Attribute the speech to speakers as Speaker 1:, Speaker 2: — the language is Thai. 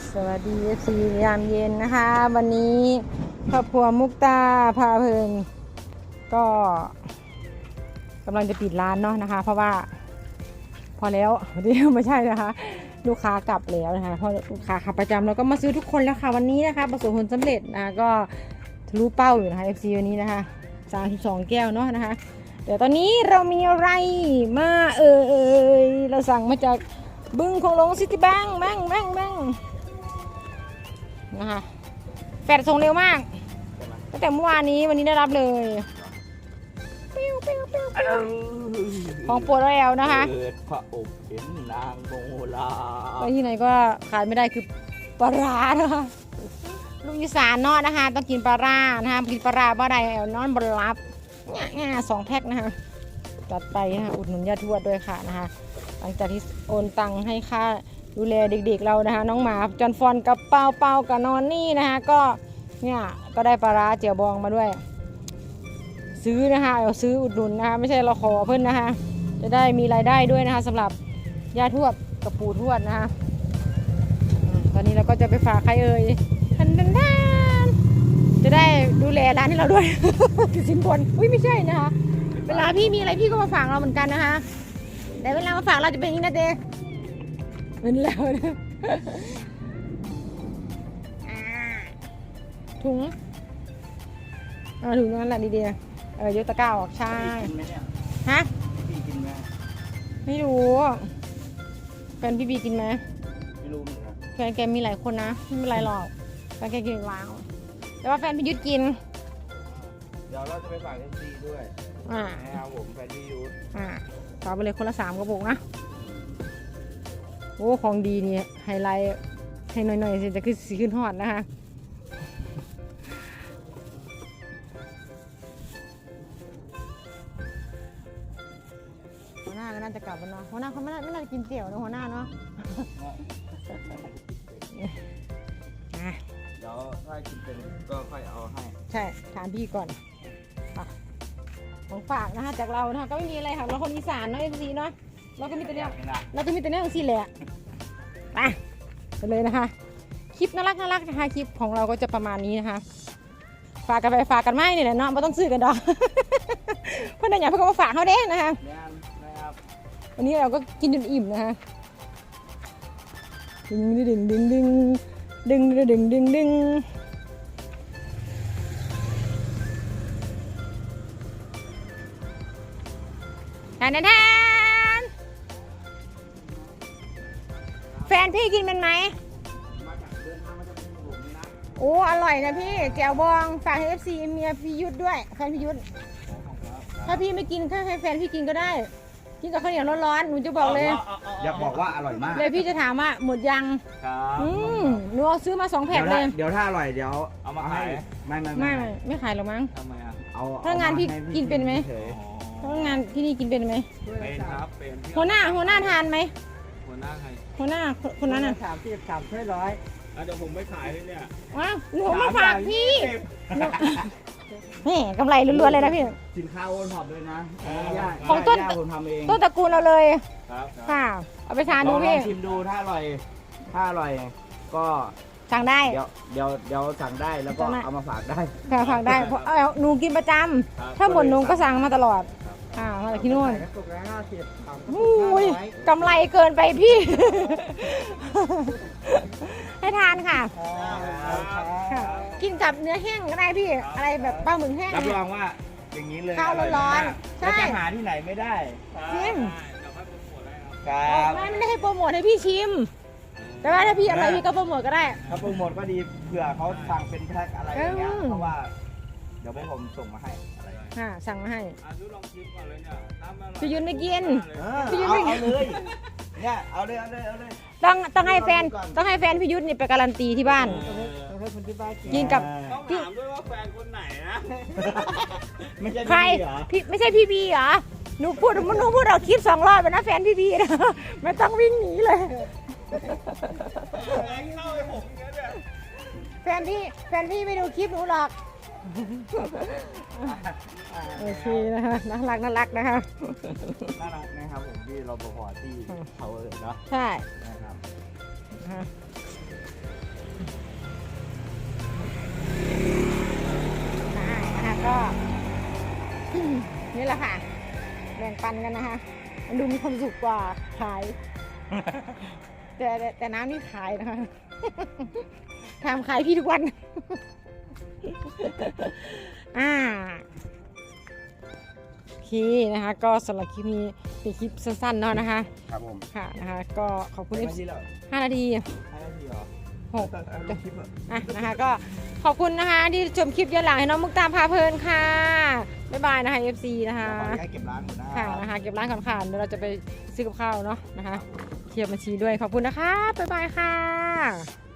Speaker 1: สวัสดีFC ยามเย็นนะคะ วันนี้ครอบครัวมุกตาพาเพลินก็กำลังจะปิดร้านเนาะนะคะ เพราะว่าพอแล้วเดี๋ยวไม่ใช่นะคะ ลูกค้ากลับแล้วนะคะเพราะลูกค้าขาประจำเราก็มาซื้อทุกคนแล้วค่ะวันนี้นะคะประสบผลสำเร็จนะก็ทะลุเป้าอยู่นะคะ FC วันนี้นะคะ32แก้วเนาะนะคะเดี๋ยวตอนนี้เรามีอะไรมาเราสั่งมาจากบึงคงหลงซิตี้แบงค์นะคะแฟดส่งเร็วมากตั้งแต่เมื่อวานนี้วันนี้ได้รับเลยของโปรดแล้วนะคะ
Speaker 2: เกิดพระอบเห็นนางโมลา
Speaker 1: ไปที่ไหนก็ขาดไม่ได้คือปลาร้านะคะลูกอีสานเนาะนะคะต้องกินปลาร้านะคะกินปลาร้าบ่ได้เอานอนบนรับ2 แพ็คนะคะจัดไปนะคะอุดหนุนญาติทวดด้วยค่ะนะคะหลังจากที่โอนตังค์ให้ค่าดูแลเด็กๆเรานะคะน้องหมาจอนฟอนกับเปากับนอนนี่นะคะก็เนี่ยก็ได้ปลาร้าเจียวบองมาด้วยซื้อนะคะเอาซื้ออุดหนุนนะคะไม่ใช่เราขอเพิ่นนะคะจะได้มีรายได้ด้วยนะคะสำหรับย่าทวดกับปู่ทวดนะคะตอนนี้เราก็จะไปฝากใครเอ่ยทันจะได้ดูแลร้านให้เราด้วย สินบนอุ้ยไม่ใช่นะคะเวลาพี่มีอะไรพี่ก็มาฝากเราเหมือนกันนะคะแต่เวลามาฝากเราจะเป็นอย่างนี้นะเจ๊เหมือนแล้วนะถุงถุงนั้นแหละดีๆยกตะกร้าออกใช่ฮะ
Speaker 2: พี่กินไหม
Speaker 1: ไม่รู้แฟนพี่บีกินไหม
Speaker 2: ไม่รู้เหมือนกัน
Speaker 1: แฟนแกมีหลายคนนะไม่เป็นไรหรอกแฟนแกกินว้าวแต่ว่าแฟนพี่ยุทธกิน
Speaker 2: เดี๋ยวเราจะไปฝากเอฟซีด้วยนะครับผมแฟนพี่ยุทธ
Speaker 1: ฝากไปเลยคนละ3 กระปุกนะโอ้ของดีนี่ไฮไลท์ให้หน่อยๆสิจะขึ้นสีขึ้นฮอดนะคะหัวหน้าก็น่าจะกลับแล้วเนาะหัวหน้าเขาไม่น่าจะกินเตี๋ยวนะหัวหน้าเนาะ
Speaker 2: เดี๋ยวถ้ากินเป็นก็ค่อยเอาให้
Speaker 1: ใช่ถามพี่ก่อนของฝากนะคะจากเรานะคะก็ไม่มีอะไรค่ะเราคนอีสานเนาะเอฟซีเนาะเราก็มีแต่เรื่องสิแหละไปเลยนะคะคลิปน่ารักนะคะคลิปของเราก็จะประมาณนี้นะคะฝากกันไปฝากกันไม่เนี่ยเนาะไม่ต้องซื้อกันดอกเพราะนั่นอย่างเพื่อนมาฝากเขาเด้นะคะวันนี้เราก็กินจนอิ่มนะคะดึงแทนแฟนพี่กินเป็นไหมโอ้อร่อยนะพี่แจ่วบองฝากให้ FC เมียพี่ยุทธด้วยแฟนพี่ยุทธถ้าพี่ไม่กินให้แฟนพี่กินก็ได้กินกับข้าวเหนียวร้อนๆหนูจะบอกเลย
Speaker 2: อยากบอกว่าอร่อยมาก
Speaker 1: เลยพี่จะถามว่าหมดยังหนูเอาซื้อมา2 แพ็คเลย
Speaker 2: เดี๋ยวถ้าอร่อยเดี๋ยวเอามาขาย
Speaker 1: ไม่ขายหรอกมั้ง
Speaker 2: ทำไมอ่ะ
Speaker 1: ถ้างานพี่กินเป็นไหมถ้างานที่นี่กินเป็นไหม
Speaker 2: เป็นครับเป็น
Speaker 1: หัวหน้าทานไหม
Speaker 2: หัวหน้าใคร
Speaker 1: หัวหน้าคนนั้นอ่ะ
Speaker 2: 30 ถ้วย100เดี๋ยวผมไม่ขายเลยเนี่ย
Speaker 1: ว้าวหนูมาฝากพี่นี่กำไรล้วนๆเลยนะพี่
Speaker 2: สินค้าโอนท็อปเลยนะ
Speaker 1: ของต้นตระกูลเราเลยค่ะเอาไปทานดูพี่
Speaker 2: ชิมดูถ้าอร่อยก็
Speaker 1: สั่งได้
Speaker 2: เดี๋ยวสั่งได้แล้วก็เอามาฝากได้
Speaker 1: ค่ะฝากได้เพราะหนูกินประจำถ้าหมดหนูก็สั่งมาตลอดมาจากที่นู่นกำไรเกินไปพี่ให้ทานค่ะกินกับเนื้อแห้งก็ได้พี่อะไรแบบปลาหมึกแห้ง
Speaker 2: รับรองว่าอย่างนี้เลย
Speaker 1: ข้าวร้อน
Speaker 2: ๆใช่จะหาที่ไหนไม่ได้
Speaker 1: จริง
Speaker 2: ครับ
Speaker 1: ไม่ได้ให้โปรโมทให้พี่ชิมแต่ว่าถ้าพี่อะไรพี่ก็โปรโมทก็ได้
Speaker 2: ถ้าโปรโมทก็ดีเผื่อเขาสั่งเป็นแพ็คอะไรอย่างเงี้ยเพราะว่าเดี๋ยวผมส่งมาให้
Speaker 1: สั่งมาให้
Speaker 2: ลองชิมก่อนเลยเนี่ย
Speaker 1: พี่ยุนไม่กิน
Speaker 2: พี่ยุนไม่กินเลยเนี่ยเอาเลย
Speaker 1: ต้องให้แฟนพี่ยุทธนี่ไปการันตีที่บ้านกินกับ
Speaker 2: ต้องถามด้วยว่าแฟนคนไหนนะ
Speaker 1: ใครพี่ไม่ใช่พี่บีเหรอหนูพูดเราคลิป2 รอบไปนะแฟนพี่บีนะไม่ต้องวิ่งหนีเลยแฟนพี่ไม่ดูคลิปหนูหรอกโอเคนะคะน่ารักนะคะ
Speaker 2: น่ารักนะครับผมที่รปภที่เขาเนาะ
Speaker 1: ใช่
Speaker 2: นะครับ
Speaker 1: ก็ นี่แหละค่ะแบ่งปันกันนะคะมันดูมีความสุขกว่าขาย แต่น้ำนี่ขายนะคะ ทำขายพี่ทุกวัน โอเคนะคะ ก็สำหรับคลิปนี้เป็นคลิปสั้นๆเนาะนะคะ
Speaker 2: ครับผม
Speaker 1: ค่ะนะคะ ก็ขอบคุณ
Speaker 2: 5
Speaker 1: เอ
Speaker 2: นาทีแล้ว
Speaker 1: 5 นาที
Speaker 2: 5 นาทีเหรอ
Speaker 1: 6
Speaker 2: ลงคลิปเหรอ
Speaker 1: นะคะ ก็ขอบคุณนะคะที่ชมคลิปย้อนหลังให้น้องมุกตาพาเพลินค่ะ บ๊ายบายนะคะ FC นะคะ
Speaker 2: เดี๋ยวขออนุญาตเก็บร้านก่อนนะ
Speaker 1: ค่ะนะคะ เก็บร้านก่อนค่ะเดี๋ยวเราจะไปซื้อกับข้าวเนาะนะคะเทียบบัญชีด้วย ขอบคุณนะคะ บ๊ายบายค่ะ